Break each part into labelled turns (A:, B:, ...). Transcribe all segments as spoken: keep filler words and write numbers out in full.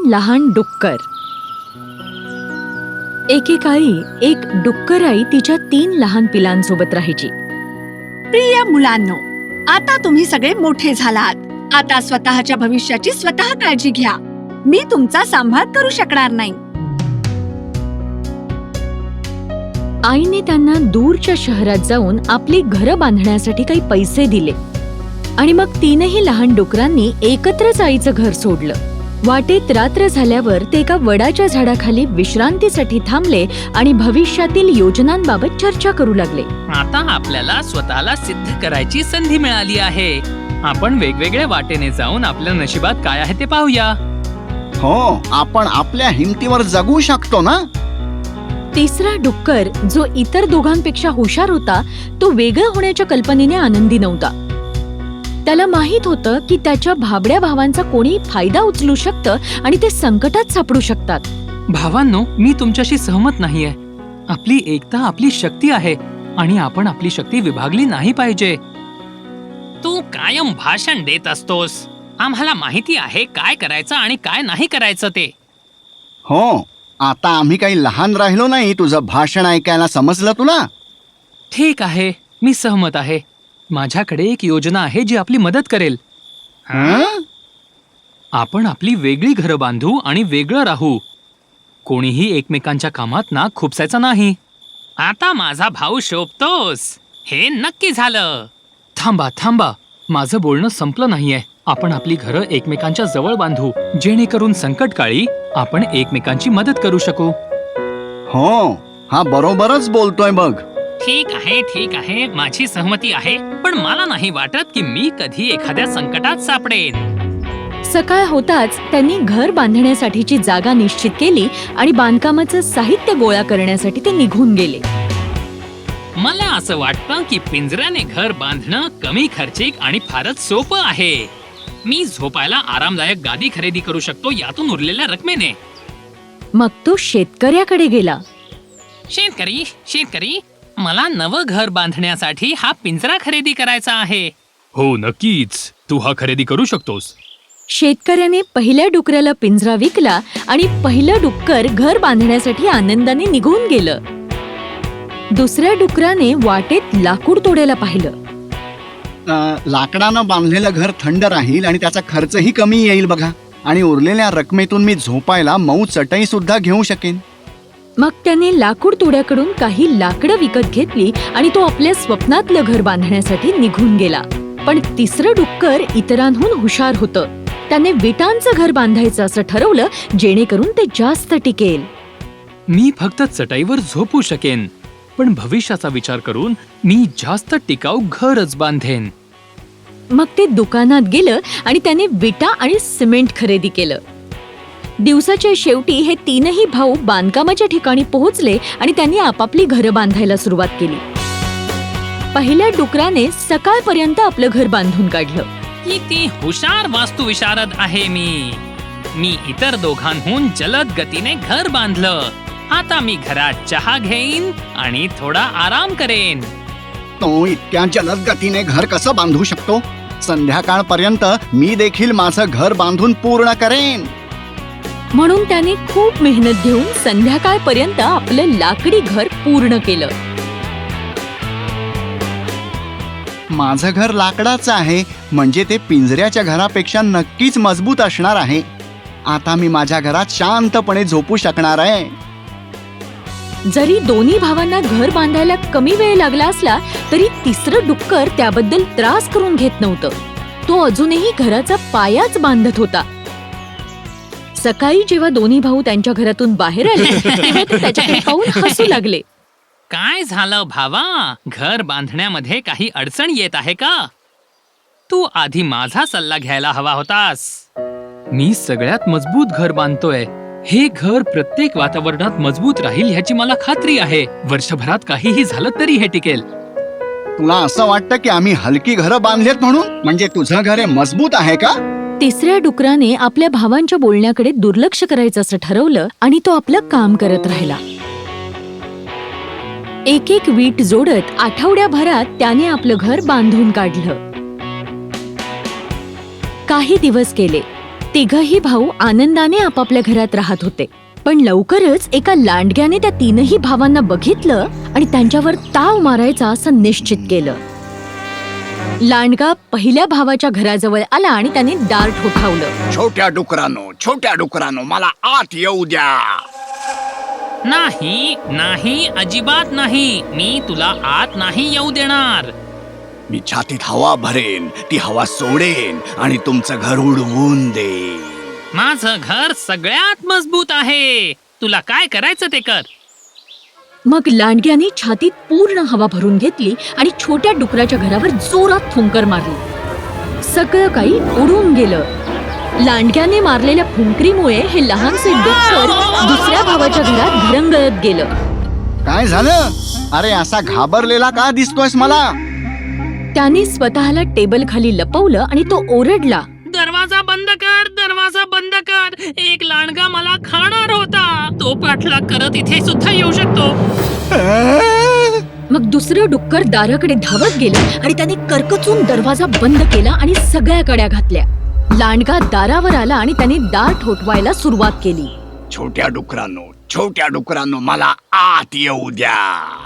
A: लहान डुक्कर. एकेकाळी एक डुक्कराई तिच्या तीन लहान पिलांसोबत राहायची.
B: प्रिय मुलांनो, आता तुम्ही सगळे मोठे झालात. आता स्वतःच्या भविष्याची स्वतः काळजी घ्या. मी तुमचा सांभाळ करू शकणार नाही.
A: आईने त्यांना दूरच्या शहरात जाऊन आपली घरं बांधण्यासाठी काही पैसे दिले आणि मग तीनही लहान डुकरांनी एकत्रच आईचं घर सोडलं. वाटेत रात्र झाल्यावर ते एका वडाच्या झाडाखाली विश्रांतीसाठी थांबले आणि भविष्यातील योजनांबाबत चर्चा करू लागले.
C: आता आपल्याला स्वतःला सिद्ध करायची संधी मिळाली आहे. आपण वेगवेगळ्या वाटेने जाऊन आपल्या नशिबात काय आहे ते पाहूया.
D: हो, आपण आपल्या हिमतीवर जगू शकतो ना.
A: तिसरा डुक्कर, जो इतर दोघांपेक्षा हुशार होता, तो वेगळं होण्याच्या कल्पनेने आनंदी नव्हता. त्याला माहित होतं की त्याच्या भाबड्या भावांचा कोणी फायदा उचलू शकतं आणि ते संकटात सापडू शकतात.
C: भावांनो, मी तुमच्याशी सहमत नाहीये. आपली एकता आपली शक्ती आहे आणि आपण आपली शक्ती विभागली नाही पाहिजे. तू कायम भाषण देत असतोस. आम्हाला माहिती आहे काय करायचं आणि काय नाही करायचं ते.
D: हो, आता आम्ही काही लहान राहिलो नाही तुझं भाषण ऐकायला. समजलं तुला?
C: ठीक आहे, मी सहमत आहे. माझ्याकडे एक योजना आहे जी आपली मदत करेल.
D: हं?
C: आपण आपली वेगळी घरं बांधू आणि वेगळं राहू. कोणीही एकमेकांच्या कामात ना खुपसायचं नाही. आता माझा भाऊ शोभतोस. हे नक्की झालं. थांबा थांबा, माझं बोलणं संपलं नाहीये. आपण आपली घरं एकमेकांच्या जवळ बांधू, जेणेकरून संकटकाळी आपण एकमेकांची मदत करू शकू.
D: हो, हा बरोबरच बोलतोय बघ.
C: ठीक आहे ठीक आहे, माझी सहमती आहे. पण मला नाही वाटत की मी कधी एखाद्या संकटात सापडेन.
A: सकाळ होताच त्यांनी घर बांधण्यासाठीची जागा निश्चित केली आणि बांधकामाचं साहित्य गोळा करण्यासाठी ते निघून गेले.
C: मला असं वाटतं की पिंजऱ्याने घर बांधणं कमी खर्चिक आणि फारच सोपं आहे. मी झोपायला आरामदायक गादी खरेदी करू शकतो यातून उरलेल्या रकमेने.
A: मग तो शेतकऱ्याकडे गेला.
C: शेतकरी शेतकरी मला नवं घर बांधण्यासाठी हा पिंजरा खरेदी करायचा आहे. हो नक्कीच, तू हा खरेदी करू शकतोस.
A: शेतकऱ्याने पहिल्या डुकराला पिंजरा विकला आणि पहिलं डुक्कर घर बांधण्यासाठी आनंदाने निघून गेलं. दुसऱ्या डुकराने वाटेत लाकूड तोडायला पाहिलं.
D: अं, लाकडानं बांधलेलं घर थंड राहील आणि त्याचा खर्चही कमी येईल बघा. आणि उरलेल्या रकमेतून मी झोपायला मऊ चटई सुद्धा घेऊ शकेन.
A: मग त्याने लाकूड तोड्याकडून काही लाकडं विकत घेतली आणि तो आपल्या स्वप्नातलं घर बांधण्यासाठी निघून गेला. पण तिसरं डुक्कर इतरांहून हुशार होतं. त्याने विटांचं घर बांधायचं असं ठरवलं, जेणेकरून ते जास्त टिकेल.
C: मी फक्त चटईवर झोपू शकेन, पण भविष्याचा विचार करून मी जास्त टिकाऊ घरच बांधेन.
A: मग ते दुकानात गेलं आणि त्याने विटा आणि सिमेंट खरेदी केलं. दिवसाच्या शेवटी हे तीनही भाऊ बांधकामाच्या ठिकाणी पोहोचले आणि त्यांनी आपापली घरं बांधायला सुरुवात केली. पहिल्या डुकराने सकाळपर्यंत आपलं घर बांधून काढलं.
C: किती हुशार वास्तुविशारद आहे मी. मी इतर दोघांहून जलद गतीने घर बांधलं. आता मी घरात चहा घेईन आणि थोडा आराम करेन.
D: तो इतक्या जलद गतीने घर कसं बांधू शकतो? संध्याकाळपर्यंत मी देखील माझं घर बांधून पूर्ण करेन.
A: म्हणून त्याने खूप मेहनत घेऊन संध्याकाळपर्यंत आपलं लाकडी घर पूर्ण केलं.
D: माझं घर लाकडाचं आहे, म्हणजे ते पिंजऱ्याच्या घरापेक्षा नक्कीच मजबूत असणार आहे. आता मी माझ्या घरात शांतपणे झोपू शकणार आहे.
A: जरी दोन्ही भावांना घर बांधायला कमी वेळ लागला असला तरी तिसरं डुक्कर त्याबद्दल त्रास करून घेत नव्हतं. तो अजूनही घराचा पायाच बांधत होता. सकाळी जेव्हा दोन्ही भाऊ त्यांच्या घरातून बाहेर आले तेव्हा ते त्याच्याकडे पाहून हसू लागले.
C: काय झालं भावा? घर बांधण्यामध्ये काही अडचण येत आहे का? तू आधी माझा सल्ला घ्यायला हवा होतास. मी सगळ्यात मजबूत घर बांधतोय. हे घर प्रत्येक वातावरणात मजबूत राहील ह्याची मला खात्री आहे. वर्षभरात काहीही झालं तरी हे टिकेल.
D: तुला असं वाटतं की आम्ही हलकी घरं बांधलेत म्हणून? म्हणजे तुझं घर हे मजबूत आहे का?
A: तिसऱ्या डुकराने आपल्या भावांच्या बोलण्याकडे दुर्लक्ष करायचं असं ठरवलं आणि तो आपलं काम करत राहिला. एक एक वीट जोडत आठवड्याभरात त्याने आपलं घर बांधून काढलं. काही दिवस गेले. तिघही भाऊ आनंदाने आपापल्या घरात राहत होते. पण लवकरच एका लांडग्याने त्या तीनही भावांना बघितलं आणि त्यांच्यावर ताव मारायचा असं निश्चित केलं. लांडगा पहिल्या भावाच्या घराजवळ आला आणि त्याने दार ठोठावलं.
D: छोट्या डुकरानो छोट्या डुकरानो मला आत येऊ द्या.
C: नाही नाही अजिबात नाही, मी तुला आत नाही येऊ देणार.
D: मी छातीत हवा भरेन, ती हवा सोडेन आणि तुमचं घर उडवून देईन.
C: माझं घर सगळ्यात मजबूत आहे, तुला काय करायचं ते कर.
A: मग लांडग्याने छातीत पूर्ण हवा भरून घेतली आणि छोट्या डुकराच्या घरावर जोरात फुंकर मारली. सगळं काही उडून गेलं. लांडग्याने मारलेल्या फुंकरीमुळे हे लहानसे डुक्कर दुसऱ्या भावाच्या घरात घरंगळत गेलं.
D: काय झालं? अरे असा घाबरलेला का दिसतोयस मला?
A: त्याने स्वतःला टेबल खाली लपवलं आणि तो ओरडला.
C: दरवाजा बंद कर, दरवाजा बंद कर, एक लांडगा मला खाणार होता, तो पाठलाग करत इथे सुद्धा येऊ शकतो.
A: मग दुसरं डुक्कर दाराकडे धावत गेलं आणि त्याने करकचून दरवाजा बंद केला आणि सगळ्या कड्या घातल्या. लांडगा दारावर आला आणि त्याने दार ठोठवायला सुरुवात केली.
D: छोट्या डुकरांनो छोट्या डुकरांनो मला आत येऊ द्या.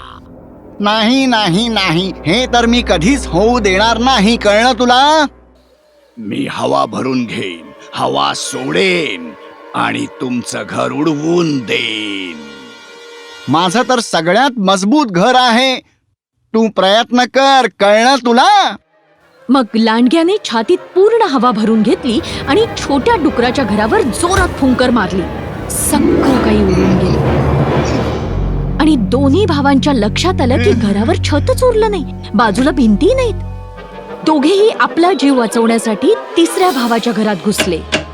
D: नाही नाही नाही, हे तर मी कधीच होऊ देणार नाही, कळलं तुला? मी हवा भरून घेईन, हवा सोडेन आणि तुमचं घर उडवून देईन. माझं तर सगळ्यात मजबूत घर आहे, तू प्रयत्न कर, कळलं तुला?
A: मग लांडग्याने छातीत पूर्ण हवा भरून घेतली आणि छोट्या डुकराच्या घरावर जोरात फुंकर मारली. सगळं काही उडून गेलं आणि दोन्ही भावांच्या लक्षात आलं की घरावर छतच उरलं नाही, बाजूला भिंती नाहीत. दोघेही आपला जीव वाचवण्यासाठी तिसऱ्या भावाच्या घरात घुसले.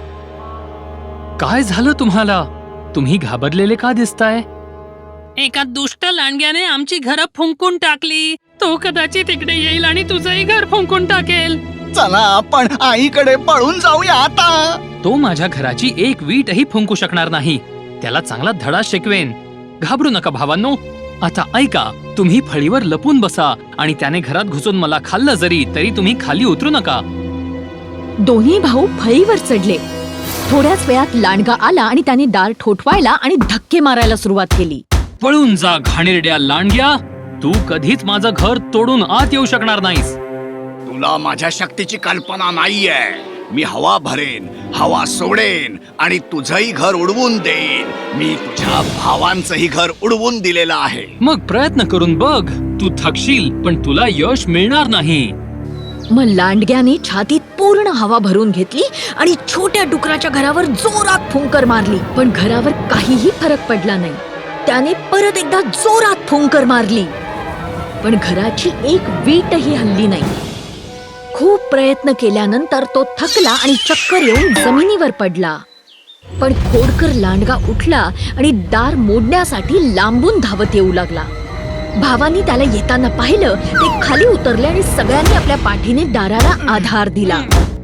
C: काय झालं तुम्हाला? तुम्ही घाबरलेले का दिसताय? एका दुष्ट लांडग्याने आमची घरं फुंकून टाकली. तो कदाचित इकडे येईल आणि तुझंही घर फुंकून टाकेल.
D: चला आपण आईकडे पळून जाऊया आता.
C: तो माझ्या घराची एक वीटही फुंकू शकणार नाही. त्याला चांगला धडा शिकवेन. घाबरू नका भावांनो. आता ऐका, तुम्ही फळीवर लपून बसा आणि त्याने घरात घुसून मला खाल्लं जरी तरी तुम्ही खाली उतरू नका.
A: दोन्ही भाऊ फळीवर चढले. थोड्याच वेळात लांडगा आला आणि त्याने दार ठोठवायला आणि धक्के मारायला सुरुवात केली.
C: पळून जा घाणेरड्या लांडग्या, तू कधीच माझं घर तोडून आत येऊ शकणार नाहीस.
D: तुला माझ्या शक्तीची कल्पना नाहीये. मी हवा भरेन, हवा सोडेन आणि तुझंही घर उडवून देईन. मी तुझ्या भावांचंही घर उडवून दिलेलं आहे.
C: मग प्रयत्न करून बघ. तू थकशील पण तुला यश मिळणार नाही.
A: मग लांडग्याने छातीत पूर्ण हवा भरून घेतली आणि छोट्या डुकराच्या घरावर जोरात फुंकर मारली. पण घरावर काहीही फरक पडला नाही. त्याने परत एकदा जोरात फुंकर मारली, पण घराची एक वीटही हलली नाही. खूप प्रयत्न केल्यानंतर तो थकला आणि चक्कर येऊन जमिनीवर पडला. पण खोडकर लांडगा उठला आणि दार मोडण्यासाठी लांबून धावत येऊ लागला. भावांनी त्याला येताना पाहिलं. ते खाली उतरले आणि सगळ्यांनी आपल्या पाठीने दाराला आधार दिला.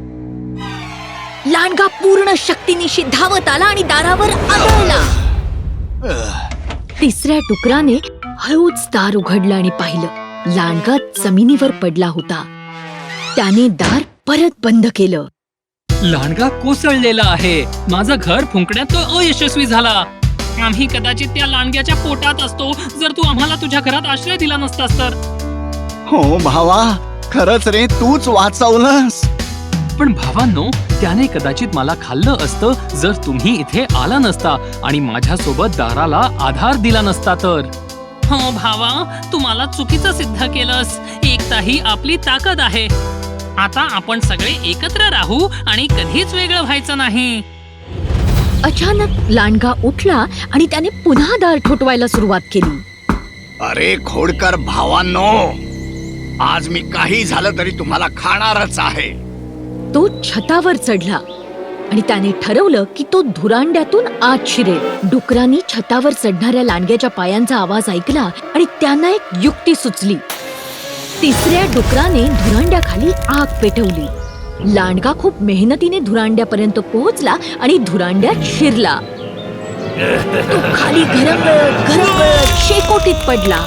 A: लांडगा पूर्ण शक्तीनिशी धावत आला आणि दारावर आदळला. तिसऱ्या डुकराने हळूच दार उघडलं आणि पाहिलं. लांडगा जमिनीवर पडला होता. त्याने दार परत बंद केलं.
C: लांडगा कोसळलेला आहे. माझं घर फुंकण्यात तो अयशस्वी झाला. आम्ही कदाचित त्या लांडग्याच्या पोटात असतो जर तू आम्हाला तुझ्या घरात आश्रय दिला नसतास तर.
D: हो भावा, खरंच रे, तूच वाचवलंस.
C: पण भावांनो, त्याने कदाचित मला खाल्लं असतं जर तुम्ही इथे आला नसता आणि माझ्यासोबत दाराला आधार दिला नसता तर. हो भावा, तू मला चुकीचं सिद्ध केलंस. एकता ही आपली ताकद आहे. आता आपण सगळे एकत्र राहू आणि कधीच वेगळं व्हायचं नाही.
A: अचानक लांडगा उठला आणि त्याने पुन्हा दार ठोठवायला सुरुवात केली.
D: अरे खोडकर भावांनो, आज मी काही झालं तरी तुम्हाला खाणारच आहे.
A: तो छतावर चढला आणि त्याने ठरवलं की तो धुरांड्यातून आत शिरेल. डुकरांनी छतावर चढणाऱ्या लांडग्याच्या पायांचा आवाज ऐकला आणि त्यांना एक युक्ती सुचली. तिसऱ्या डुकराने धुरांड्याखाली आग पेटवली. लांडगा खूप मेहनतीने धुरांड्यापर्यंत पोहोचला आणि धुरांड्यात शिरला. तो खाली घरंगळत घरंगळत शेकोटीत पडला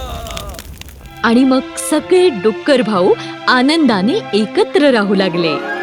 A: आणि मग सगळे डुक्कर भाऊ आनंदाने एकत्र राहू लागले.